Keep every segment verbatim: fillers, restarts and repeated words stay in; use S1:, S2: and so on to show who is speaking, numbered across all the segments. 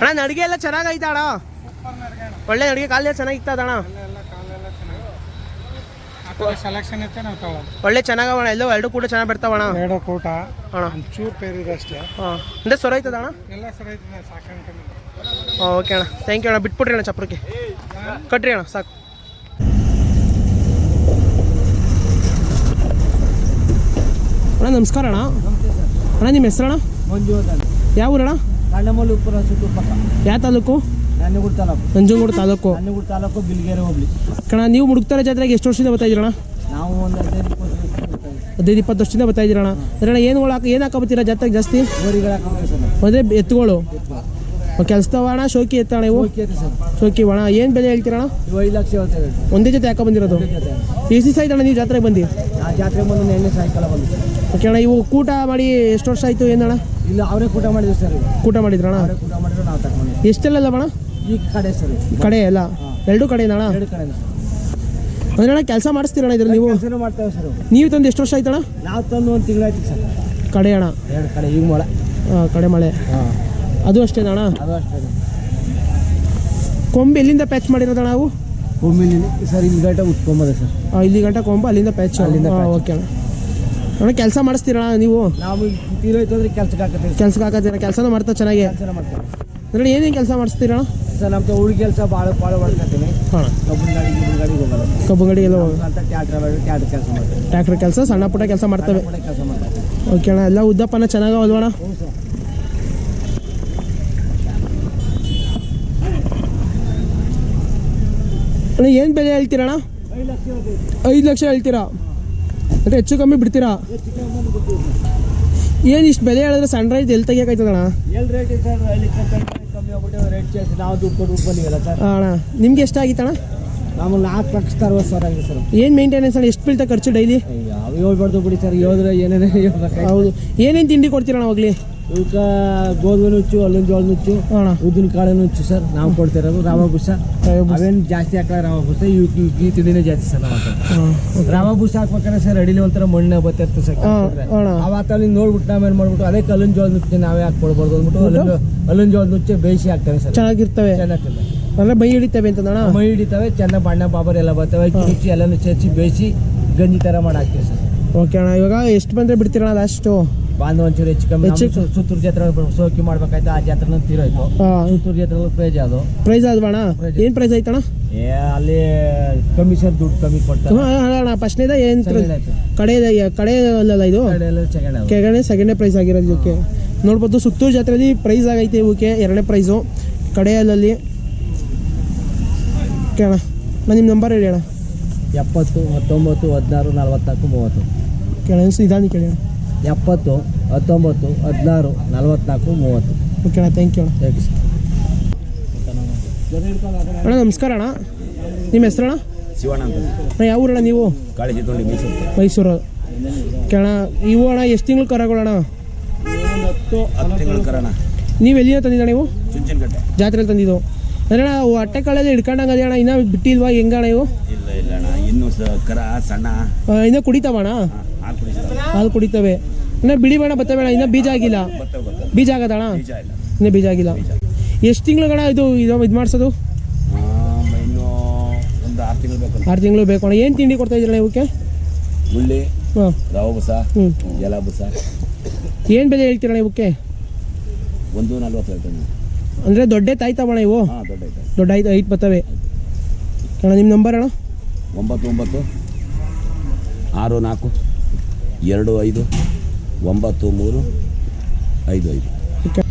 S1: ಅಣ್ಣ ನಡಿಗೆ ಎಲ್ಲ ಚೆನ್ನಾಗೈತ ಅಣ್ಣ? ಒಳ್ಳೆ ನಡಿಗೆ ಕಾಲ ಚೆನ್ನಾಗಿತ್ತದ ಅಣ್ಣ?
S2: ಸೆಲೆಕ್ಷನ್ ಐತೆ ನಾವು ತಗೊಳ್ಳೋದು.
S1: ಒಳ್ಳೆ ಚೆನ್ನಾಗವಣ, ಎಲ್ಲೋ ಎರಡು ಕೂಡ ಚೆನ್ನಾಗಿ ಬರ್ತಾವಣ.
S2: ಎರಡು ಕೂಟ
S1: ಅಣ್ಣ
S2: ಚೂರು ಪೇರಿದೆ ಅಷ್ಟೇ.
S1: ಹಾಂ ಅಂದ್ರೆ ಸೊರ ಐತದ ಅಣ್ಣ?
S2: ಎಲ್ಲ ಸರಿ ಐತೆ ಸಾಕಾಣಿಕೆ.
S1: ಹಾಂ ಓಕೆ ಅಣ್ಣ, ಥ್ಯಾಂಕ್ ಯು ಅಣ್ಣ. ಬಿಟ್ಬಿಡ್ರಿ ಅಣ್ಣ ಚಪ್ರಕ್ಕೆ ಕಟ್ರಿ ಅಣ್ಣ ಸಾಕು. ಅಣ್ಣ ನಮಸ್ಕಾರ ಅಣ್ಣ. ಅಣ್ಣ ನಿಮ್ಮ ಹೆಸರಣ್ಣ?
S2: ಮಂಜು
S1: ಯಾವ ಊರಣ್ಣ?
S2: ಕಾಂಡಮಲ್ಲೂಪುರ ಸುತ್ತೂರು ಪಕ್ಕ.
S1: ಯಾವ ತಾಲೂಕು?
S2: ನಂಜನಗೂಡು ತಾಲೂಕು.
S1: ನಂಜನಗೂಡು ತಾಲೂಕು.
S2: ನಂಜನಗೂಡು ತಾಲೂಕು ಬಿಲ್ಗೇರಿ ಹೋಗ್ಲಿ
S1: ಕಣ. ನೀವು ಮುಡುಕ್ತಾರೆ ಜಾತ್ರೆಗೆ ಎಷ್ಟು ವರ್ಷದಿಂದ ಬರ್ತಾ ಇದ್ದೀರಣ್ಣ?
S2: ನಾವು ಒಂದು ಹದಿನೈದು ಇಪ್ಪತ್ತು
S1: ಹದಿನೈದು ಇಪ್ಪತ್ತು ವರ್ಷದಿಂದ ಬರ್ತಾ ಇದ್ದೀರಣ್ಣ. ಅಣ್ಣ ಏನು ಹಾಕ ಏನು ಹಾಕೋಬತ್ತೀರಾ ಜಾತ್ರೆಗೆ ಜಾಸ್ತಿ?
S2: ಗೋರಿಗಳು ಹಾಕೋಬೇಕು ಸರ್.
S1: ಅದೇ ಎತ್ತುಗಳು ಕೆಲಸದವ ಅಣ್ಣ? ಶೋಕಿ ಎತ್ತಣ ಇವು?
S2: ಸರ್
S1: ಶೋಕಿ ಅಣ್ಣ. ಏನು ಬೆಲೆ ಹೇಳ್ತೀರಣ್ಣ?
S2: ಇವು ಐದು ಲಕ್ಷ ಹೇಳ್ತೇವೆ.
S1: ಒಂದೇ ಜೊತೆ ಹಾಕೋ ಬಂದಿರೋದು? ಎಷ್ಟು ದಿವಸ ಆಯ್ತಣ್ಣ ನೀವು ಜಾತ್ರೆಗೆ ಬಂದು?
S2: ಆ ಜಾತ್ರೆಗೆ ಬಂದು ನೆನ್ನೆ ಸಾಯಂಕಾಲ ಬಂದು.
S1: ಓಕೆ ಅಣ್ಣ. ಇವು ಕೂಟ ಮಾಡಿ ಎಷ್ಟು ವರ್ಷ ಆಯಿತು ಏನಣ್ಣ?
S2: ಇಲ್ಲ ಅವರೇ ಕೂಟ ಮಾಡಿದ್ವಿ ಸರ್.
S1: ಕೂಟ ಮಾಡಿದ್ರಣ್ಣ?
S2: ಅವರೇ ಕೂಟ ಮಾಡಿದ್ರು ನಾವು ತಗೊಂಡು.
S1: ಎಷ್ಟೆಲ್ಲ ಅಣ್ಣ?
S2: ಈ ಕಡೆ ಸರ್.
S1: ಕಡೆ ಎಲ್ಲ ಎರಡು ಕಡೆನಾ ಅಣ್ಣ?
S2: ಎರಡು ಕಡೆ
S1: ಅಂದ್ರೆ ಅಣ್ಣ ಕೆಲಸ ಮಾಡಿಸ್ತೀರಣ್ಣ ಇದ್ರ ನೀವು?
S2: ಕೆಲಸ ಮಾಡ್ತೇವೆ ಸರ್.
S1: ನೀವು ತಂದು ಎಷ್ಟು ವರ್ಷ ಆಯ್ತಣ್ಣ?
S2: ನಾವು ತಂದು ಒಂದು ತಿಂಗಳಾಯ್ತು ಸರ್.
S1: ಕಡೆ ಅಣ್ಣ?
S2: ಎರಡು ಕಡೆ ಈಗ ಮೊಳೆ.
S1: ಹಾಂ ಕಡೆ ಮಳೆ.
S2: ಹಾಂ
S1: ಅದು ಅಷ್ಟೇನಾ ಅಣ್ಣ?
S2: ಅದು ಅಷ್ಟೇ.
S1: ಕೊಂಬು ಎಲ್ಲಿಂದ ಪ್ಯಾಚ್ ಮಾಡಿರೋದಣ್ಣ ನಾವು?
S2: ಒಮ್ಮಿನ ಸರ್ ಇಲ್ಲಿ ಗಂಟೆ ಉಟ್ಕೊಂಬದೆ ಸರ್.
S1: ಹಾಂ ಇಲ್ಲಿ ಗಂಟೆ ಕೊಂಬು ಅಲ್ಲಿಂದ ಪ್ಯಾಚ್.
S2: ಅಲ್ಲಿಂದ
S1: ಓಕೆ ಅಣ್ಣ. ಅಣ್ಣ ಕೆಲಸ ಮಾಡಿಸ್ತೀರಣ್ಣ ನೀವು?
S2: ನಾವು ತೀರೋಯ್ತು ಅಂದ್ರೆ ಕೆಲ್ಸಕ್ಕೆ ಹಾಕತ್ತೀವಿ.
S1: ಕೆಲ್ಸಕ್ಕೆ ಹಾಕತ್ತೀರ? ಕೆಲಸನ ಮಾಡ್ತಾ ಚೆನ್ನಾಗಿ?
S2: ಕೆಲಸ ಮಾಡ್ತೇವೆ.
S1: ಅಂದ್ರೆ ಏನೇನು ಕೆಲಸ ಮಾಡಿಸ್ತೀರಣ್ಣ?
S2: ಸರ್ ನಮ್ದು ಉಳಿ ಕೆಲಸ ಭಾಳ ಭಾಳ ಮಾಡ್ಕೊತೀನಿ.
S1: ಹಾಂ
S2: ಕಬ್ಬನ್ ಗಾಡಿ ಗಿಬ್ಬನ್ ಗಾಡಿಗೆ ಹೋಗಲ್ಲ.
S1: ಕಬ್ಬು ಗಾಡಿ ಎಲ್ಲ
S2: ಅಂತ ಟ್ಯಾಕ್ಟ್ರ್ ಟ್ಯಾಕ್ಟ್ರ್ ಕೆಲಸ ಮಾಡ್ತೇವೆ.
S1: ಟ್ರ್ಯಾಕ್ಟರ್ ಕೆಲಸ ಸಣ್ಣ ಪುಟ್ಟ ಕೆಲಸ ಮಾಡ್ತೇವೆ.
S2: ಕೆಲಸ ಮಾಡ್ತೇವೆ.
S1: ಓಕೆ ಅಣ್ಣ. ಎಲ್ಲ ಉದ್ದಪ್ಪನ ಚೆನ್ನಾಗಲ್ವಣ್ಣ?
S2: ಹ್ಞೂ ಸರ್.
S1: ಅಣ್ಣ ಏನು ಬೆಲೆ ಹೇಳ್ತೀರಣ್ಣ?
S2: ಐದು ಲಕ್ಷ
S1: ಐದು ಲಕ್ಷ ಹೇಳ್ತೀರಾ? ಅಂದರೆ ಹೆಚ್ಚು ಕಮ್ಮಿ ಬಿಡ್ತೀರಾ? ಏನು ಇಷ್ಟು ಬೆಲೆ ಹೇಳಿದ್ರೆ ಸಣ್ಣ ರೈತ ಎಲ್ಲಿ ತೆಗಿಯೋಕಾಯ್ತದಣ್ಣ?
S2: ಎಲ್ಲಿ ರೇಟ್ ಇದೆ ಸರ್? ಅಲ್ಲಿ ಕಮ್ಮಿ ಆಗ್ಬಿಟ್ಟು ರೇಟ್ ಜಾಸ್ತಿ. ನಾವು ದುಡ್ಡು ಕೊಟ್ಟು ಬಂದಿವಲ್ಲ ಸರ್.
S1: ಹಾಂ ಅಣ್ಣ. ನಿಮ್ಗೆ ಎಷ್ಟಾಗಿತ್ತಣ್ಣ?
S2: ನಾವು ನಾಲ್ಕು ಲಕ್ಷದ ಅರವತ್ತು ಸಾವಿರ ಆಗಿದೆ ಸರ್.
S1: ಏನು ಮೇಂಟೆನೆನ್ಸ್ ಅಣ್ಣ? ಎಷ್ಟು ಬೀಳ್ತಾ ಖರ್ಚು ಡೈಲಿ?
S2: ಯಾವ ಹೇಳ್ಬಾರ್ದು ಬಿಡಿ ಸರ್. ಹೇಳಿದ್ರೆ ಏನೇನೇ ಹೇಳ್ಬೇಕು.
S1: ಹೌದು. ಏನೇನು ತಿಂಡಿ ಕೊಡ್ತೀರಣ್ಣ ಹೋಗ್ಲಿ?
S2: ಇವಕ್ಕೆ ಗೋಧಿ ನುಚ್ಚು, ಅಲ್ಲಿನ ಜೋಳ ನುಚ್ಚು,
S1: ಅಣ್ಣ
S2: ಉದ್ದಿನ ಕಾಳು ನುಚ್ಚು ಸರ್ ನಾವು ಕೊಡ್ತಿರೋದು. ರವಾ ಬುಸ ಅವೇನು ಜಾಸ್ತಿ ಹಾಕಲ್ಲ. ರವಾ ಬುಸ ಇವಕ್ಕೆ ಈ ತಿಂಡಿನೇ ಜಾಸ್ತಿ ಸರ್. ನಾವು ರವಾ ಬುಸ ಹಾಕ್ಬೇಕಾದ್ರೆ ಸರ್ ಅಡಿಲಿ ಒಂಥರ ಮಣ್ಣೆ ಬತ್ತಿರ್ತದೆ ಸರ್. ಅವತ್ತ ನೀವು ನೋಡ್ಬಿಟ್ಟು ನಾವೇನು ಮಾಡ್ಬಿಟ್ಟು ಅದೇ ಕಲ್ಲಿನ ಜೋಳ ನುಚ್ಚು ನಾವೇ ಹಾಕ್ಕೊಡ್ಬಾರ್ದು ಅಂದ್ಬಿಟ್ಟು ಅಲ್ಲಿನ ಅಲ್ಲಿನ ಜೋಳ ನುಚ್ಚು ಬೇಯಿಸಿ ಹಾಕ್ತೇವೆ ಸರ್.
S1: ಚೆನ್ನಾಗಿರ್ತವೆ.
S2: ಚೆನ್ನಾಗಿರ್ತದೆ.
S1: ಅಂದ್ರೆ ಮೈ ಹಿಡಿತವೆ ಅಂತಣ್ಣ?
S2: ಮೈ ಹಿಡಿತವೆ. ಚೆನ್ನಾಗಿ ಬಣ್ಣ ಬಾಬರ್ ಎಲ್ಲ ಬರ್ತವೆ. ನುಚ್ಚು ಎಲ್ಲನೂ ಚಚ್ಚಿ ಬೇಯಿಸಿ ಗಂಜಿ ಥರ ಮಾಡಿ ಹಾಕ್ತೀವಿ ಸರ್.
S1: ಓಕೆ ಅಣ್ಣ. ಇವಾಗ ಎಷ್ಟು ಬಂದರೆ ಬಿಡ್ತೀರಣ್ಣ ಲಾಸ್ಟು?
S2: ಬಾಂಧವ ಒಂಚೂರು ಹೆಚ್ಚು ಕಮ್ಮಿ. ಸುತ್ತೂರು ಜಾತ್ರೆ ಸೋಕಿ ಮಾಡ್ಬೇಕಾಯ್ತು. ಆ ಜಾತ್ರೆ ತೀರೋಯ್ತು. ಸುತ್ತೂರು ಜಾತ್ರೆ ಪ್ರೈಜ್ ಅದು.
S1: ಪ್ರೈಸ್ ಆದ್ವಣ್ಣ? ಏನು ಪ್ರೈಸ್ ಆಯ್ತಣ್ಣ?
S2: ಏ ಅಲ್ಲಿ ಕಮ್ಮಿ ಸರ್, ದುಡ್ಡು ಕಮ್ಮಿ ಕೊಡ್ತಾರೆ.
S1: ಹಾಂ ಅಣ್ಣ. ಫಸ್ಟ್ನೇದ ಏನು ಕಡೆ ಕಡೆ ಅಲ್ಲಲ್ಲ ಇದು? ಕೆಳಗಡೆ ಸೆಕೆಂಡೇ ಪ್ರೈಸ್ ಆಗಿರೋದು ಇದಕ್ಕೆ. ನೋಡ್ಬೋದು ಸುತ್ತೂರು ಜಾತ್ರೆಯಲ್ಲಿ ಪ್ರೈಸ್ ಆಗೈತೆ ಇವಕ್ಕೆ. ಎರಡನೇ ಪ್ರೈಸು ಕಡೆಯಲ್ಲಲ್ಲಿ. ಓಕೆ ಅಣ್ಣ. ನಾನು ನಿಮ್ಮ ನಂಬರ್ ಹೇಳಿ ಅಣ್ಣ.
S2: ಎಪ್ಪತ್ತು ಹತ್ತೊಂಬತ್ತು ಹದಿನಾರು ನಲ್ವತ್ನಾಲ್ಕು ಮೂವತ್ತು.
S1: ಕೇಳ ನಿಧಾನ ಕೇಳಿ ಅಣ್ಣ.
S2: ಎಪ್ಪತ್ತು ಹತ್ತೊಂಬತ್ತು ಹದಿನಾರು ನಲ್ವತ್ನಾಲ್ಕು ಮೂವತ್ತು.
S1: ಓಕೆ ಅಣ್ಣ. ಥ್ಯಾಂಕ್ ಯು ಅಣ್ಣ.
S2: ಥ್ಯಾಂಕ್ ಯು
S1: ಅಣ್ಣ ನಮಸ್ಕಾರ ಅಣ್ಣ. ನಿಮ್ಮ ಹೆಸರಣ್ಣ?
S3: ಶಿವಣ್ಣ ಅಂತ.
S1: ಅಣ್ಣ ಯಾವ ಊರಣ್ಣ ನೀವು?
S3: ಕಾಳಜಿ ತೊಂಡಿ ಮೈಸೂರು.
S1: ಮೈಸೂರು. ಕೇಳ ಇವು ಅಣ್ಣ ಎಷ್ಟು ತಿಂಗಳು ಕರಗೋಣ?
S3: ಹತ್ತು ಹತ್ತು ತಿಂಗಳು ಕರೋಣ.
S1: ನೀವು ಎಲ್ಲಿಂದ ತಂದಿದ್ದ ನೀವು?
S3: ಚುಂಚನಕಟ್ಟೆ
S1: ಜಾತ್ರೆಯಲ್ಲಿ ತಂದಿದ್ದು ಅಂದ್ರೆ ಅಣ್ಣ. ಅವು ಅಟ್ಟೆ ಕಾಳಲ್ಲಿ ಹಿಡ್ಕೊಂಡಂಗೆ ಅದೇ ಅಣ್ಣ. ಇನ್ನೂ ಬಿಟ್ಟಿಲ್ವಾ ಹೆಂಗಣ್ಣ ಇವು?
S3: ಇಲ್ಲ ಇಲ್ಲ ಅಣ್ಣ. ಇನ್ನೂ ಕರ ಸಣ್ಣ
S1: ಇನ್ನೂ ಕುಡಿತಾವಣ್ಣ?
S3: ಹಾಲು ಕುಡಿಸ್ತಾರೆ.
S1: ಹಾಲು ಕುಡಿತವೆ. ಇನ್ನೂ ಬಿಡಿ ಬೇಡ ಬರ್ತವೆ ಅಣ್ಣ. ಇನ್ನೂ ಬೀಜ ಆಗಿಲ್ಲ? ಬೀಜ ಆಗದಣ್ಣ?
S3: ಬೀಜ ಇಲ್ಲ.
S1: ಇನ್ನೂ ಬೀಜ ಆಗಿಲ್ಲ. ಎಷ್ಟು ತಿಂಗಳುಗಣ ಇದು ಇದು ಇದು ಮಾಡಿಸೋದು?
S3: ಇನ್ನೂ ಒಂದು ಆರು ತಿಂಗಳು ಬೇಕು.
S1: ಆರು ತಿಂಗಳು ಬೇಕು ಅಣ್ಣ. ಏನು ತಿಂಡಿ ಕೊಡ್ತಾ ಇದ್ದೀರಣ್ಣ ಇವಕ್ಕೆ?
S3: ಗುಳ್ಳಿ,
S1: ಹಾಂ,
S3: ರವೆ ಬುಸ,
S1: ಹ್ಞೂ,
S3: ಜಲ ಬುಸ.
S1: ಏನು ಬೆಲೆ ಹೇಳ್ತೀರಣ್ಣ ಇವಕ್ಕೆ?
S3: ಒಂದು ನಲ್ವತ್ತು ಹೇಳ್ತೇನೆ.
S1: ಅಂದರೆ ದೊಡ್ಡ ತಾಯ್ತಾವಣ್ಣ ಇವು?
S3: ಹಾಂ ದೊಡ್ಡ ಐತೆ.
S1: ದೊಡ್ಡ ಐದು ಐದು ಬರ್ತವೆ ಅಣ್ಣ. ನಿಮ್ಮ ನಂಬರ್ ಅಣ್ಣ?
S3: ಒಂಬತ್ತು ಒಂಬತ್ತು ಆರು ನಾಲ್ಕು ಎರಡು ಐದು ಒಂಬತ್ತು ಮೂರು ಐದು ಐದು.
S1: ಓಕೆ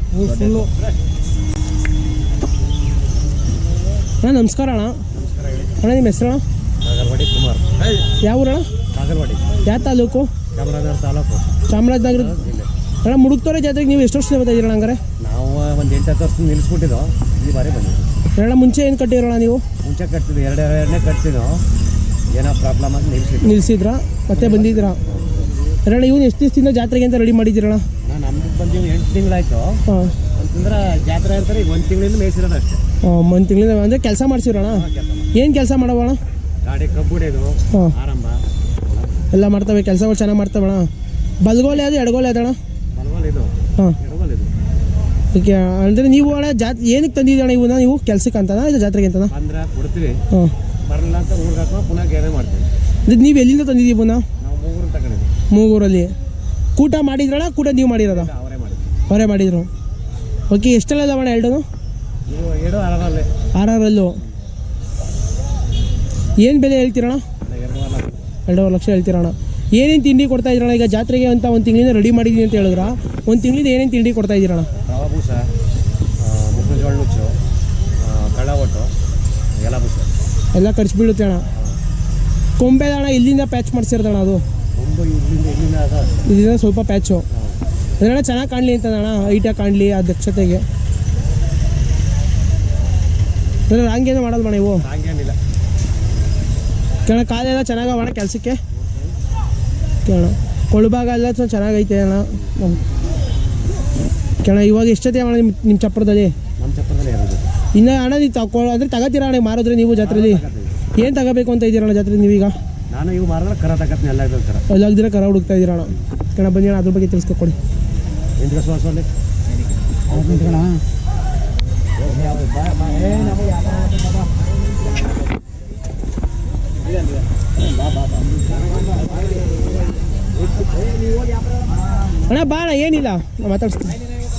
S1: ಅಣ್ಣ ನಮಸ್ಕಾರ ಅಣ್ಣ. ಅಣ್ಣ ನಿಮ್ಮ ಹೆಸರು ಅಣ್ಣ?
S2: ಕಾಗರವಾಡಿ ಕುಮಾರ್.
S1: ಯಾವ ಊರಣ್ಣ?
S2: ಕಾಗರವಾಡಿ.
S1: ಯಾವ ತಾಲೂಕು?
S2: ಚಾಮರಾಜನಗರ ತಾಲೂಕು.
S1: ಚಾಮರಾಜನಗರ. ಅಣ್ಣ ಮುಡುಕ್ತೋರೆ ಜಾತ್ರೆಗೆ ನೀವು ಎಷ್ಟು ವರ್ಷದಿಂದ ಬರ್ತಾ ಇದ್ದೀರಣ್ಣ ಹಂಗಾರೆ?
S2: ನಾವು ಒಂದು ಎಂಟು ಹತ್ತು ವರ್ಷ ನಿಲ್ಲಿಸ್ಬಿಟ್ಟಿದ್ದೋ. ಈ ಬಾರಿ ಬಂದಿದ್ದು.
S1: ಅಣ್ಣ ಮುಂಚೆ ಏನು ಕಟ್ಟಿರೋಣ ನೀವು?
S2: ಮುಂಚೆ ಕಟ್ತಿದ್ದು ಎರಡು ಎರಡನೇ ಕಟ್ತಿದ್ದೋ. ಏನೋ ಪ್ರಾಬ್ಲಮ್ ಅಂತ ನಿಲ್ಲಿಸಿದ್ದು.
S1: ನಿಲ್ಲಿಸಿದ್ರಾ ಮತ್ತೆ ಬಂದಿದ್ದೀರಾ? ಅಣ್ಣ ಇವನು ಎಷ್ಟು ದಿವಸದಿಂದ ಜಾತ್ರೆಗೆ ಅಂತ ರೆಡಿ ಮಾಡಿದ್ದೀರಣ್ಣ?
S2: ನಾನು ನಮ್ದು ಬಂದೀವಿ ಎಂಟು ತಿಂಗಳಾಯ್ತು.
S1: ಹಾಂ.
S2: ಅಂತಂದ್ರೆ ಜಾತ್ರೆ ಅಂತಾರೆ ಈಗ ಒಂದು ತಿಂಗಳಿಂದ ಮೇಯಿಸಿರೋದು ಅಷ್ಟೇ.
S1: ಹಾಂ ಒಂದು ತಿಂಗಳಿಂದ ಅಂದರೆ ಕೆಲಸ ಮಾಡಿಸಿರೋಣ? ಏನು ಕೆಲಸ ಮಾಡವಣ?
S2: ಗಾಡಿ ಕಬ್ಬುಡಿಯೋದು,
S1: ಹಾಂ,
S2: ಆರಂಭ
S1: ಎಲ್ಲ ಮಾಡ್ತವೆ. ಕೆಲಸಗಳು ಚೆನ್ನಾಗಿ ಮಾಡ್ತವಣ್ಣ. ಬಲ್ಗೋಲೆ ಅದು ಎಡಗೋಲೆ ಅದಣ್ಣ?
S2: ಬಲಗೋಲ್ ಇದು,
S1: ಹಾಂ.
S2: ಎಡಗೋಲ್ ಇದು.
S1: ಓಕೆ ಅಂದರೆ ನೀವು ಅಣ್ಣ ಜಾತ್ ಏನಕ್ಕೆ ತಂದಿದ್ದೀರಣ್ಣ ಇವನ್ನ ನೀವು ಕೆಲ್ಸಕ್ಕೆ ಅಂತನಾ ಇಲ್ಲ ಜಾತ್ರೆಗೆ ಅಂತನಾ?
S3: ಅಂದ್ರೆ ಕೊಡ್ತೀವಿ,
S1: ಹಾಂ
S3: ಬರಲ್ಲ ಅಂತ ಊರಿಗೆ ಹಾಕೋ ಪುನಃ ಗ್ಯಾರೆ ಮಾಡ್ತೀವಿ.
S1: ಇದು ನೀವು ಎಲ್ಲಿಂದ ತಂದಿದ್ದೀವಿ ಇವನ್ನ?
S3: ನಾವು ಮೂಗೂರು ತಗೊಂಡಿದ್ವಿ.
S1: ಮೂಗೂರಲ್ಲಿ ಕೂಟ ಮಾಡಿದ್ರಣ್ಣ? ಕೂಟ ನೀವು ಮಾಡಿರೋದ?
S3: ಅವರೇ ಮಾಡಿದ್ವಿ.
S1: ಅವರೇ ಮಾಡಿದ್ರು. ಓಕೆ ಎಷ್ಟೆಲ್ಲ ಅಣ್ಣ ಎರಡು?
S3: ಇವು ಎರಡು ಆರಲ್ಲೇ
S1: ಆರರಲ್ಲೂ ಏನು ಬೆಲೆ ಹೇಳ್ತೀರಣ್ಣ?
S3: ಎರಡೂವರೆ
S1: ಎರಡೂವರೆ ಲಕ್ಷ ಹೇಳ್ತೀರಣ್ಣ. ಏನೇನು ತಿಂಡಿ ಕೊಡ್ತಾ ಇದ್ದೀರಣ್ಣ? ಈಗ ಜಾತ್ರೆಗೆ ಅಂತ ಒಂದು ತಿಂಗಳಿಂದ ರೆಡಿ ಮಾಡಿದ್ದೀನಿ ಅಂತ ಹೇಳಿದ್ರ, ಒಂದು ತಿಂಗಳಿಂದ ಏನೇನು ತಿಂಡಿ ಕೊಡ್ತಾ ಇದ್ದೀರಣ್ಣ?
S3: ರವಾ ಬೂಸ, ಮುಖ್ಯ ಜೋಳ ನುಚ್ಚು, ಕಳ್ಳ ಒಟ್ಟು, ಎಲ ಬೂಸ
S1: ಎಲ್ಲ ಖರ್ಚು ಬೀಳುತ್ತೆ ಅಣ್ಣ. ಕೊಂಬೆ ಅಣ್ಣ ಇಲ್ಲಿಂದ ಪ್ಯಾಚ್ ಮಾಡಿಸಿರೋದಣ್ಣ ಅದು?
S3: ಒಂದು ಇಲ್ಲಿಂದ ಇಲ್ಲಿಂದ ಅದ
S1: ಇದರಿಂದ ಸ್ವಲ್ಪ ಪ್ಯಾಚು ಅದನ್ನ ಚೆನ್ನಾಗಿ ಕಾಣಲಿ ಅಂತ ಅಣ್ಣ, ಹೈಟಾಗಿ ಕಾಣಲಿ ಆ ದಕ್ಷತೆಗೆ. ಅಂದರೆ ರಾಂಗೇನೋ ಮಾಡೋದು ಅಣ್ಣ ಇವು?
S3: ಹಂಗೇನಿಲ್ಲ.
S1: ಕೇಳ ಕಾಲೆಲ್ಲ ಚೆನ್ನಾಗವ ಅಣ್ಣ ಕೆಲಸಕ್ಕೆ? ಕೇಳ ಕೊಳಭಾಗ ಎಲ್ಲ ಸ್ವಲ್ಪ ಚೆನ್ನಾಗೈತೆ ಅಣ್ಣ. ಕೇಳ ಇವಾಗ ಎಷ್ಟೊತ್ತೆ ಅಣ್ಣ ನಿಮ್ಮ ನಿಮ್ಮ ಚಪ್ಪರದಲ್ಲಿ?
S3: ನಮ್ಮ ಚಪ್ಪರದಲ್ಲಿ ಇರೋದು
S1: ಇನ್ನು ಅಣ್ಣ ನೀವು ತಗೊ ಅಂದರೆ ತಗೋತೀರ ಅಣ್ಣ ಮಾರಿದ್ರೆ ನೀವು ಜಾತ್ರೆಯಲ್ಲಿ? ಏನು ತಗೋಬೇಕು ಅಂತ ಇದ್ದೀರಣ್ಣ ಜಾತ್ರೆ ನೀವೀಗ?
S3: ನಾನು ಇವು ಮಾರಿದ್ರೆ ಕರ ತಗತ್ತೀನಿ, ಎಲ್ಲ ಇದ್ರ ಕರ
S1: ಎಲ್ಲ ದಿನ ಕರ ಹುಡುಕ್ತಾ ಇದ್ದೀರಣ್ಣ. ಕಣ ಬನ್ನಿ ಅಣ್ಣ ಅದ್ರ ಬಗ್ಗೆ ತಿಳಿಸ್ಕೊಡಿ.
S3: ಎಂಟು ಸೋಸಲ್ಲಿ
S1: ಅಣ್ಣ ಬಾ ಅಣ್ಣ, ಏನಿಲ್ಲ ನಾ ಮಾತಾಡ್ಸ್ತೀನಿ.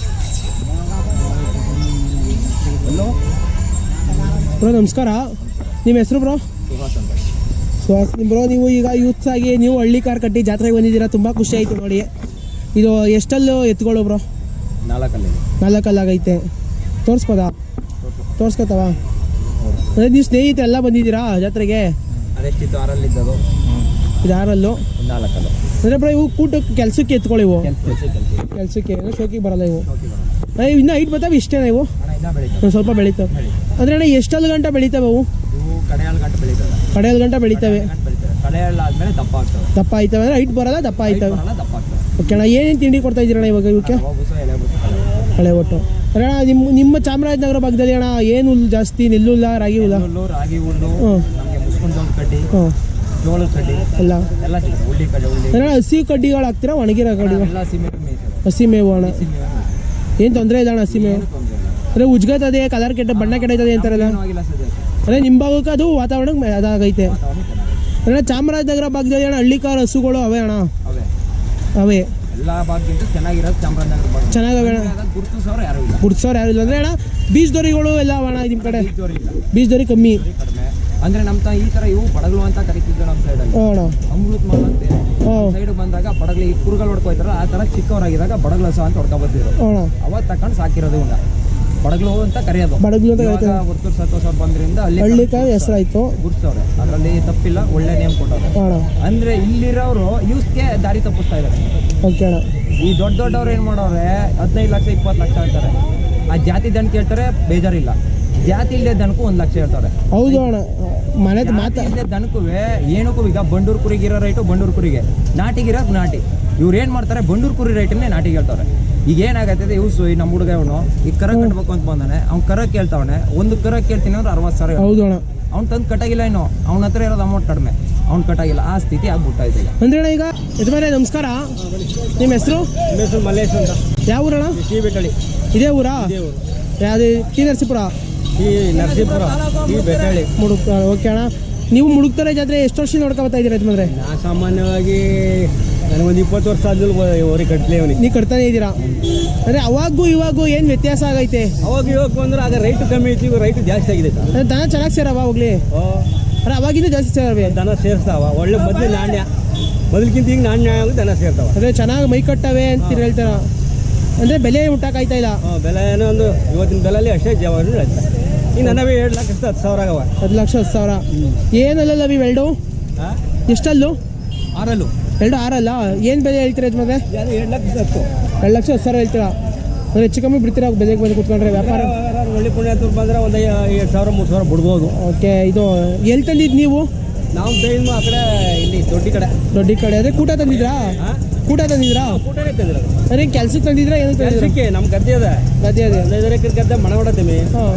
S1: ಬ್ರೋ ನಮಸ್ಕಾರ, ನಿಮ್ಮ ಹೆಸರು ಬ್ರೋ?
S3: ಸುಹಾಸ್ ಅಂತ.
S1: ಸುಹಾಸ್ ಬ್ರೋ, ನೀವು ಈಗ ಯೂತ್ಸ್ ಆಗಿ ನೀವು ಹಳ್ಳಿ ಕಾರ್ ಕಟ್ಟಿ ಜಾತ್ರೆಗೆ ಬಂದಿದ್ದೀರಾ, ತುಂಬ ಖುಷಿ ಆಯಿತು ನೋಡಿ. ಇದು ಎಷ್ಟಲ್ಲೂ ಎತ್ಕೊಳ್ಳೋ ಬ್ರೋ?
S3: ನಾಲ್ಕಲ್ಲಿ
S1: ನಾಲ್ಕಲ್ಲಾಗೈತೆ. ತೋರಿಸ್ಬೋದಾ? ತೋರಿಸ್ಕೊತಾವ? ಅಂದರೆ ನೀವು ಸ್ನೇಹಿತರೆ ಎಲ್ಲ ಬಂದಿದ್ದೀರಾ ಜಾತ್ರೆಗೆ?
S3: ಅದೆಷ್ಟಿತ್ತು? ಆರಲ್ಲಿ ಇದ್ದದು
S1: ಇದು ಆರಲ್ಲು
S3: ನಾಲ್ಕಲ್ಲು.
S1: ಅಂದರೆ ಬ್ರೋ ಇವು ಕೂಟಕ್ಕೆ ಕೆಲಸಕ್ಕೆ ಎತ್ಕೊಳ್ಳಿ, ಇವು
S3: ಕೆಲಸ
S1: ಕೆಲಸಕ್ಕೆ ಶೋಕಿಗೆ ಬರಲ್ಲ ಇವು. ಇನ್ನೂ ಹೈಟ್ ಬರ್ತಾವೆ ಇಷ್ಟೇನ ಇವು?
S3: ಇನ್ನೂ ಬೆಳೀತವೆ,
S1: ಒಂದು ಸ್ವಲ್ಪ ಬೆಳೀತವೆ. ಅಂದರೆ ಅಣ್ಣ ಎಷ್ಟಲ್ಲಿ ಗಂಟೆ ಬೆಳೀತವೆ ಅವು?
S3: ಇವು ಕಡೆಯಾಳು ಗಂಟೆ ಬೆಳೀತವೆ.
S1: ಕಡೆಯಲ್ಲಿ ಗಂಟೆ ಬೆಳೀತವೆ.
S3: ಬೆಳೀತವೆ ಕಡೆಯಾಳು ಆದ್ಮೇಲೆ ದಪ್ಪ ಆಗ್ತವೆ.
S1: ದಪ್ಪ ಆಯ್ತವೆ ಅಂದರೆ ಹೈಟ್ ಬರಲ್ಲ, ದಪ್ಪ ಆಯ್ತವೆ.
S3: ಬರಲ್ಲ, ದಪ್ಪ ಆಗ್ತವೆ.
S1: ಓಕೆ ಅಣ್ಣ, ಏನೇನು ತಿಂಡಿ ಕೊಡ್ತಾ ಇದ್ದೀರಣ್ಣ ಇವಾಗ ಇವಕ್ಕೆ?
S3: ರವಾ ಬೂಸ, ಎಲೆ ಬೂಸ, ಕಳ್ಳ ಒಟ್ಟು.
S1: ಹಳೆ ಒಟ್ಟು ಅಣ್ಣ. ನಿಮ್ಮ ನಿಮ್ಮ ಚಾಮರಾಜನಗರ ಭಾಗದಲ್ಲಿ ಅಣ್ಣ ಏನು ಹುಲ್ಲು ಜಾಸ್ತಿ? ನೆಲ್ಲುಲ್ಲ, ರಾಗಿ ಹುಲ್ಲ?
S3: ಹುಲ್ಲು, ರಾಗಿ ಹುಲ್ಲು,
S1: ಹ್ಞೂ
S3: ನಮಗೆ ಮುಸ್ಕೊಂಡು ಜೋಳದ ಕಡ್ಡಿ,
S1: ಹ್ಞೂ
S3: ಜೋಳದ ಕಡ್ಡಿ
S1: ಎಲ್ಲ
S3: ಎಲ್ಲ ಸಿಗುತ್ತೆ. ಉಳ್ಳಿ ಕಡ್ಡಿ, ಉಳ್ಳಿ
S1: ಅಣ್ಣ ಹಸಿ ಕಡ್ಡಿಗಳು ಹಾಕ್ತೀರಾ ಒಣಗಿರೋ ಕಡ್ಡಿಗಳು?
S3: ಎಲ್ಲ ಸೀಮೆ ಮೇಯ್ತದೆ.
S1: ಹಸಿ ಮೇವು ಅಣ್ಣ,
S3: ಹಸಿ ಮೇವು
S1: ಏನು ತೊಂದರೆ ಇಲ್ಲ ಅಣ್ಣ ಹಸಿ ಮೇವು?
S3: ಏನು ತೊಂದರೆ ಇಲ್ಲ.
S1: ಅಂದರೆ ಉಜ್ಗತದೆ, ಕಲರ್ ಕೆಟ್ಟ ಬಣ್ಣ ಕೆಟ್ಟೈತದೆ ಅಂತಾರಲ್ಲ,
S3: ಏನೂ ಆಗಿಲ್ಲ ಸದ್ಯಕ್ಕೆ.
S1: ಅಂದರೆ ನಿಮ್ಮ ಭಾಗಕ್ಕೆ ಅದು ವಾತಾವರಣಕ್ಕೆ ಅದಾಗೈತೆ.
S3: ವಾತಾವರಣ ಚೆನ್ನಾಗಿದೆ.
S1: ಅಣ್ಣ ಚಾಮರಾಜನಗರ ಭಾಗದಲ್ಲಿ ಅಣ್ಣ ಹಳ್ಳಿ ಕಾರ್ ಹಸುಗಳು ಅವೇ ಅಣ್ಣ?
S3: ಅವೇ
S1: ಅವೇ
S3: ಎಲ್ಲ ಭಾಗಕ್ಕಿಂತ ಚೆನ್ನಾಗಿರೋದು ಚಾಮರಾಜನಗರ ಭಾಗ.
S1: ಚೆನ್ನಾಗವೆ ಅಣ್ಣ.
S3: ಗುರುತಿಸೋರು ಯಾರು ಇಲ್ಲ,
S1: ಗುಡ್ಸೋರು ಯಾರು ಇಲ್ಲ ಅಂದರೆ ಅಣ್ಣ? ಬೀಜ್ ದೊರಿಗಳು ಎಲ್ಲ ಅಣ್ಣ ನಿಮ್ಮ ಕಡೆ?
S3: ಜೋರಿ ಇಲ್ಲ,
S1: ಬೀಜ್ ದೊರಿ ಕಮ್ಮಿ
S3: ಜೋರಿ ಕಡಿಮೆ. ಅಂದ್ರೆ ನಮ್ಮ ತ ಈ ತರ ಇವು ಬಡಗಲು ಅಂತ ಕರಿತಿದ್ರು ನಮ್ಮ ಸೈಡಲ್ಲಿ.
S1: ಹ್ಞೂ ಅಣ್ಣ.
S3: ಅಮೃತ್ ಮಾಲ್ ಅಂತ
S1: ಹ್ಞೂ
S3: ಸೈಡ್ ಬಂದಾಗ ಬಡಗಲಿ ಈ ಕುರುಗಳು ಹೊಡ್ಕೊಯ್ತಾರ, ಆ ತರ ಚಿಕ್ಕವರಾಗಿದ್ದಾಗ ಬಡಗಲ ಸಹ ಅಂತ ಹೊಡ್ಕೊ ಬರ್ತಿದ್ರು.
S1: ಹ್ಞೂ ಅಣ್ಣ.
S3: ಅವಾಗ ತಕೊಂಡು ಸಾಕಿರೋದು ಉಂಡ ಬಡಗಲು ಅಂತ ಕರೆಯೋದು.
S1: ಬಡಗ್ಲು ಅಂತ ಕರಿತಾರೆ.
S3: ಒತ್ತೂರು ಸತ್ತೋಸ ಬಂದ್ರಿಂದ ಅಲ್ಲಿ
S1: ಹಳ್ಳಿ ಕಾರ್ ಹೆಸರಾಯ್ತು,
S3: ಗುರ್ಸವ್ರೆ. ಅದರಲ್ಲಿ ತಪ್ಪಿಲ್ಲ, ಒಳ್ಳೆ ನೇಮ್ ಕೊಟ್ಟವ್ರೆ.
S1: ಹ್ಞೂ ಅಣ್ಣ.
S3: ಅಂದ್ರೆ ಇಲ್ಲಿರೋರು ಯೂಸ್ಗೆ ದಾರಿ ತಪ್ಪಿಸ್ತಾ ಇದ್ದಾರೆ.
S1: ಓಕೆ ಅಣ್ಣ.
S3: ಈ ದೊಡ್ಡ ದೊಡ್ಡವ್ರು ಏನು ಮಾಡೋರೆ ಹದಿನೈದು ಲಕ್ಷ ಇಪ್ಪತ್ತು ಲಕ್ಷ ಹೇಳ್ತಾರೆ. ಆ ಜಾತಿ ದನ ಕೇಳ್ತಾರೆ, ಬೇಜಾರಿಲ್ಲ. ಜಾತಿ ಇಲ್ಲದೆ ದನಕ್ಕೂ ಒಂದು ಲಕ್ಷ ಹೇಳ್ತಾರೆ.
S1: ಹೌದು ಅಣ್ಣ, ಮನೆ ಮಾತಾ
S3: ಇಲ್ಲದೆ ದನಕ್ಕೂ ಏನಕ್ಕೂ ಈಗ ಬಂಡೂರು ಕುರಿಗಿರೋ ರೈಟು ಬಂಡೂರು ಕುರಿಗೆ, ನಾಟಿಗಿರೋದು ನಾಟಿ. ಇವ್ರು ಏನು ಮಾಡ್ತಾರೆ, ಬಂಡೂರು ಕುರಿ ರೈಟನ್ನೇ ನಾಟಿಗೆ ಹೇಳ್ತಾರೆ. ಈಗ ಏನಾಗತ್ತೆ, ಇವ್ಸು ಈ ನಮ್ಮ ಹುಡುಗ ಇವನು ಈಗ ಕರ ಕಟ್ಬೇಕು ಅಂತ ಬಂದಾನೆ, ಅವ್ನು ಕರ ಕೇಳ್ತಾವನೆ. ಒಂದು ಕರ ಕೇಳ್ತೀನಿ ಅಂದ್ರೆ ಅರವತ್ತು ಸಾವಿರ.
S1: ಹೌದು ಅಣ್ಣ.
S3: ಅವ್ನು ತಂದು ಕಟ್ಟಾಗಿಲ್ಲ, ಇನ್ನು ಅವ್ನ ಹತ್ರ ಇರೋದು ಅಮೌಂಟ್ ಕಡಿಮೆ, ಅವ್ನು ಕಟ್ಟಾಗಿಲ್ಲ. ಆ ಸ್ಥಿತಿ ಆಗ್ಬಿಟ್ಟಾಯ್ತು ಈಗ.
S1: ಅಂದ್ರೆ ಅಣ್ಣ ಈಗ ಯಜಮಾನ ನಮಸ್ಕಾರ, ನಿಮ್ಮ ಹೆಸರು?
S3: ಹೆಸರು ಮಲ್ಲೇಶ್ ಅಂತ.
S1: ಯಾವ ಊರಣ್ಣ?
S3: ಟಿ ಬೆಟ್ಟಳ್ಳಿ.
S1: ಇದೇ ಊರಾ? ಯಾವುದು? ಟಿ ನರಸೀಪುರ?
S3: ಈ ನರಸೀಪುರ, ಈ ಬೆಟ್ಟಳ್ಳಿ.
S1: ಮುಡುಕ್. ಓಕೆ ಅಣ್ಣ, ನೀವು ಮುಡುಕ್ತಾರೆ ಜಾತ್ರೆ ಎಷ್ಟು ವರ್ಷ ನೋಡ್ಕೊ ಬರ್ತಾ ಇದ್ದೀರಾ ಯಜಮಾನ್ರೆ?
S3: ನಾ ಸಾಮಾನ್ಯವಾಗಿ ನನಗೊಂದು ಇಪ್ಪತ್ತು ವರ್ಷ ಆದ್ಮೇಲೆ ಅವ್ರಿಗೆ ಕಟ್ಲಿ ಅವನಿಗೆ.
S1: ನೀವು ಕಟ್ತಾನೆ ಇದ್ದೀರಾ ಅಂದರೆ ಅವಾಗೂ ಇವಾಗೂ ಏನು ವ್ಯತ್ಯಾಸ ಆಗೈತೆ?
S3: ಅವಾಗ ಇವಾಗ ಬಂದ್ರೆ ಆಗ ರೈಟ್ ಕಮ್ಮಿ ಐತಿ, ಇವಾಗ ರೈಟ್ ಜಾಸ್ತಿ ಆಗಿದೆ.
S1: ಅಂದ್ರೆ ದನ ಚೆನ್ನಾಗಿ ಸೇರವ ಹೋಗ್ಲಿ? ಅರೆ ಅವಾಗಿಂದ ಜಾಸ್ತಿ ಸೇರವೆ
S3: ದನ ಸೇರ್ತಾವ. ಒಳ್ಳೆ ಮೊದಲು ನಾಣ್ಯ, ಮೊದಲಿಗಿಂತ ಈಗ ನಾಣ್ಯ ಆಗಿ ದನ ಸೇರ್ತಾವ.
S1: ಅಂದರೆ ಚೆನ್ನಾಗಿ ಮೈ ಕಟ್ಟವೆ ಅಂತ ಹೇಳ್ತಾರ. ಅಂದರೆ ಬೆಲೆ ಮುಟ್ಟಕ್ಕಾಯ್ತಾ ಇಲ್ಲ?
S3: ಬೆಲೆ ಏನೋ ಒಂದು ಇವತ್ತಿನ ಬೆಲೆಯಲ್ಲಿ ಅಷ್ಟೇ ಜವಾಬ್ದಾರಿ ಹೇಳ್ತಾರೆ. ಈಗ ನನವೇ ಎರಡು ಲಕ್ಷ ಹತ್ತು ಸಾವಿರ ಆಗವ.
S1: ಹತ್ತು ಲಕ್ಷ ಹತ್ತು ಸಾವಿರ ಏನಲ್ಲ ಇವು ಎರಡು? ಎಷ್ಟಲ್ಲೂ?
S3: ಆರಲ್ಲು.
S1: ಎರಡು ಆರಲ್ಲ? ಏನು ಬೆಲೆ ಹೇಳ್ತೀರಾ ಯಜಮಾನ್ರೆ?
S3: ಎರಡು ಲಕ್ಷ ಹತ್ತು.
S1: ಎರಡು ಲಕ್ಷ ಹತ್ತು ಸಾವಿರ ಹೇಳ್ತೀರಾ? ಅಂದರೆ ಹೆಚ್ಚು ಕಮ್ಮಿ ಬಿಡ್ತೀರಾ ಬೆಲೆಗೆ ಬಂದು ಕೂತ್ಕೊಂಡ್ರೆ ವ್ಯಾಪಾರ?
S3: ಒಳ್ಳೆ ಪುಣ್ಯಾತರು ಬಂದರೆ ಒಂದು ಎರಡು ಸಾವಿರ ಮೂರು ಸಾವಿರ ಬಿಡ್ಬೋದು.
S1: ಓಕೆ, ಇದು ಎಲ್ಲಿ ತಂದಿದ್ದು ನೀವು?
S3: ನಾವು ಬೇಯಿನ ಆ ಕಡೆ ಇಲ್ಲಿ ದೊಡ್ಡ ಕಡೆ.
S1: ದೊಡ್ಡ ಕಡೆ ಅಂದರೆ ಕೂಟ ತಂದಿದ್ರಾ? ಕೂಟ ತಂದಿದ್ರಾ?
S3: ಕೂಟನೇ ತಂದಿರೋದು.
S1: ಅದೇ ಕೆಲ್ಸಕ್ಕೆ ತಂದಿದ್ರಾ? ಏನು ತಂದಿದ್ರಾ?
S3: ಕೆಲಸಕ್ಕೆ ನಮ್ಮ ಗದ್ದೆ ಅದ.
S1: ಗದ್ದೆ ಅದೇ
S3: ಹದಿನೈದು ಎಕರೆ ಗದ್ದೆ ಮನೆ ಹೊಡತೀವಿ.
S1: ಹಾಂ,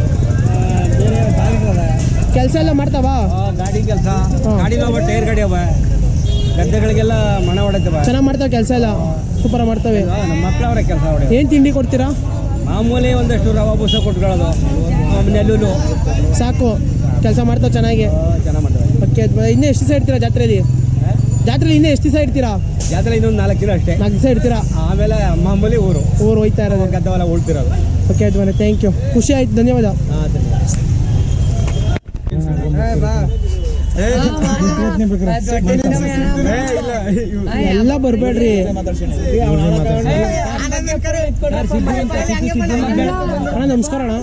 S3: ಬೇರೆ ಗಾಡಿ ಅದ,
S1: ಕೆಲಸ ಎಲ್ಲ ಮಾಡ್ತಾವಾ?
S3: ಗಾಡಿ ಕೆಲಸ, ಗಾಡಿ ಅವ, ಟೈರ್ ಗಾಡಿ ಅವ, ಗದ್ದೆಗಳಿಗೆಲ್ಲ ಮನೆ ಹೊಡತವ.
S1: ಚೆನ್ನಾಗಿ ಮಾಡ್ತಾವೆ ಕೆಲಸ ಎಲ್ಲ? ಸೂಪರ್ ಮಾಡ್ತವೆ.
S3: ನಮ್ಮ ಮಕ್ಕಳವ್ರೆ ಕೆಲಸ ಹೊಡೆ.
S1: ಏನು ತಿಂಡಿ ಕೊಡ್ತೀರಾ?
S2: ಮಾಮೂಲಿ ಒಂದಷ್ಟು ರವಾ ಬೂಸ ಕೊಟ್ಕೊಳ್ಳೋದು ನೆಲ್ಲೂಲು
S1: ಸಾಕು ಕೆಲಸ ಮಾಡ್ತಾವೆ ಚೆನ್ನಾಗಿ.
S2: ಚೆನ್ನಾಗಿ ಮಾಡ್ತಾರೆ.
S1: ಓಕೆ, ಇನ್ನೂ ಎಷ್ಟು ದಿವಸ ಇಡ್ತೀರಾ ಜಾತ್ರೆಯಲ್ಲಿ? ಜಾತ್ರೆಯಲ್ಲಿ ಇನ್ನೂ ಎಷ್ಟು ದಿವಸ ಇಡ್ತೀರಾ?
S2: ಜಾತ್ರೆ ಇನ್ನೊಂದು ನಾಲ್ಕು ದಿನ ಅಷ್ಟೇ,
S1: ನಾಲ್ಕು ದಿವಸ ಇಡ್ತೀರಾ.
S2: ಆಮೇಲೆ ಮಾಮೂಲಿ ಊರು
S1: ಊರು ಹೋಯ್ತಾ ಇರೋದು,
S2: ಗದ್ದೆಲ್ಲ ಉಳ್ತಿರೋದು.
S1: ಓಕೆ ಆಯ್ತು ಮನೆ, ಥ್ಯಾಂಕ್ ಯು, ಖುಷಿ ಆಯ್ತು, ಧನ್ಯವಾದ.
S2: ಹಾಂ
S1: ಎಲ್ಲ ಬರಬೇಡ್ರಿ. ಅಣ್ಣ ನಮಸ್ಕಾರ ಅಣ್ಣ.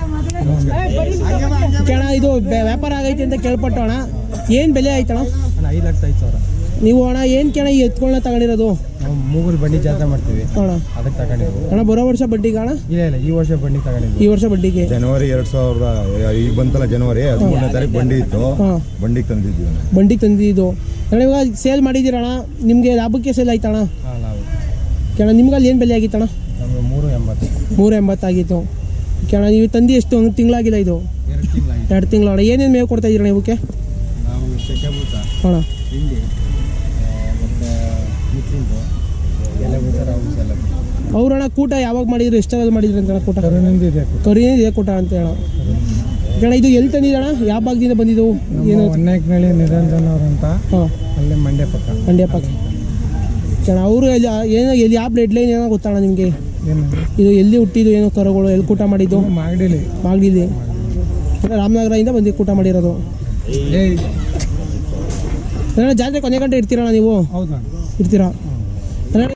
S1: ಅಣ್ಣ ಇದು ವ್ಯಾಪಾರ ಆಗೈತೆ ಅಂತ ಕೇಳ್ಪಟ್ಟು ಅಣ್ಣ, ಏನು ಬೆಲೆ ಆಯ್ತಣ್ಣ?
S2: ಐದು ಲಕ್ಷ ಐದು ಸಾವಿರ.
S1: ನೀವು ಅಣ್ಣ ಏನು ಕೇಳ ಈ ಎತ್ಕೊಳ್ಳ ತಗೊಂಡಿರೋದು?
S2: ನಾವು ಮೂಗಲ್ ಬಂಡಿ ಜಾತ್ರೆ ಮಾಡ್ತೀವಿ
S1: ಅಣ್ಣ,
S2: ಅದಕ್ಕೆ ತಗೊಂಡಿದ್ವಿ
S1: ಅಣ್ಣ. ಬರೋ ವರ್ಷ ಬಡ್ಡಿಗೆ ಅಣ್ಣ?
S2: ಇಲ್ಲ ಇಲ್ಲ ಈ ವರ್ಷ ಬಂಡಿ ತಗೊಂಡಿದ್ವಿ.
S1: ಈ ವರ್ಷ ಬಡ್ಡಿಗೆ
S4: ಜನವರಿ ಎರಡ್ ಸಾವಿರದ ಈಗ ಬಂತಲ್ಲ, ಜನವರಿ ಹದಿಮೂರನೇ ತಾರೀಕು ಬಂಡಿ ಇತ್ತು, ಬಂಡಿಗೆ ತಂದಿದ್ವಿ.
S1: ಬಂಡಿಗೆ ತಂದಿದ್ದು ಅಣ್ಣ. ಇವಾಗ ಸೇಲ್ ಮಾಡಿದ್ದೀರಣ್ಣ, ನಿಮಗೆ ಲಾಭಕ್ಕೆ ಸೇಲ್ ಆಯ್ತಣ್ಣ?
S2: ಹಾಂ ನಾವು
S1: ಕೇಳ ನಿಮ್ಗೆ ಅಲ್ಲಿ ಏನು ಬೆಲೆ ಆಗಿತ್ತಣ್ಣ?
S2: ನಮಗೆ ಮೂರು ಎಂಬತ್ತು.
S1: ಮೂರು ಎಂಬತ್ತಾಗಿತ್ತು. ಕೇಳ ನೀವು ತಂದು ಎಷ್ಟು ಒಂದು ತಿಂಗಳಾಗಿಲ್ಲ ಇದು?
S2: ಎರಡು ತಿಂಗಳಾಗಿ.
S1: ಎರಡು ತಿಂಗಳು ಅಣ್ಣ. ಏನೇನು ಮೇವು ಕೊಡ್ತಾ ಇದ್ದೀರಣ್ಣ ಇವಕ್ಕೆ?
S2: ನಾವು ಚಕ್ಕೆಬೂತ,
S1: ಅಣ್ಣ,
S2: ಹಿಂಡಿ ಮತ್ತು ಮಿಕ್ಸಿಂಗು ಎಲೆ ಬೂಸ ರಾವು ಬೂಸ ಎಲ್ಲ.
S1: ಅವ್ರಣ್ಣ ಕೂಟ ಯಾವಾಗ ಮಾಡಿದ್ರು, ಎಷ್ಟರಲ್ಲಿ ಮಾಡಿದ್ರು ಅಂತ ಕೂಟ?
S2: ಕರುನಿಂದ ಇದೆ.
S1: ಕರಿನೇ ಇದೆ ಕೂಟ ಅಂತ ಹೇಳ. ಕೇಳ ಇದು ಎಲ್ಲಿ ತಂದಿದ್ದಣ್ಣ? ಯಾವ ಭಾಗದಿಂದ ಬಂದಿದ್ದವು? ಏನು?
S2: ಹೊನ್ನೇಕನಹಳ್ಳಿ ನಿರಂಜನ್ ಅವರು ಅಂತ,
S1: ಹಾಂ,
S2: ಅಲ್ಲೇ ಮಂಡ್ಯ ಪಕ್ಕ.
S1: ಮಂಡ್ಯ ಪಕ್ಕ. ಕೇಳ ಅವರು ಎಲ್ಲಿ ಏನೋ ಎಲ್ಲಿ ಯಾವ ಬ್ಲಡ್ ಲೈನ್ ಏನೋ ಗೊತ್ತಣ್ಣ ನಿಮಗೆ?
S2: ಏನು
S1: ಇದು ಎಲ್ಲಿ ಹುಟ್ಟಿದ್ದು ಏನೋ ಕರುಗಳು, ಎಲ್ಲಿ ಕೂಟ ಮಾಡಿದ್ದು?
S2: ಮಾಗಡಿಲಿ.
S1: ಮಾಗಡಿಲಿ ರಾಮನಗರದಿಂದ ಬಂದು ಕೂಟ ಮಾಡಿರೋದು.
S2: ಏಯ್
S1: ಜಾತ್ರೆ ಕೊನೆ ಗಂಟೆ ಇರ್ತೀರಣ್ಣ ನೀವು?
S2: ಹೌದಾ?
S1: ಇರ್ತೀರಾ?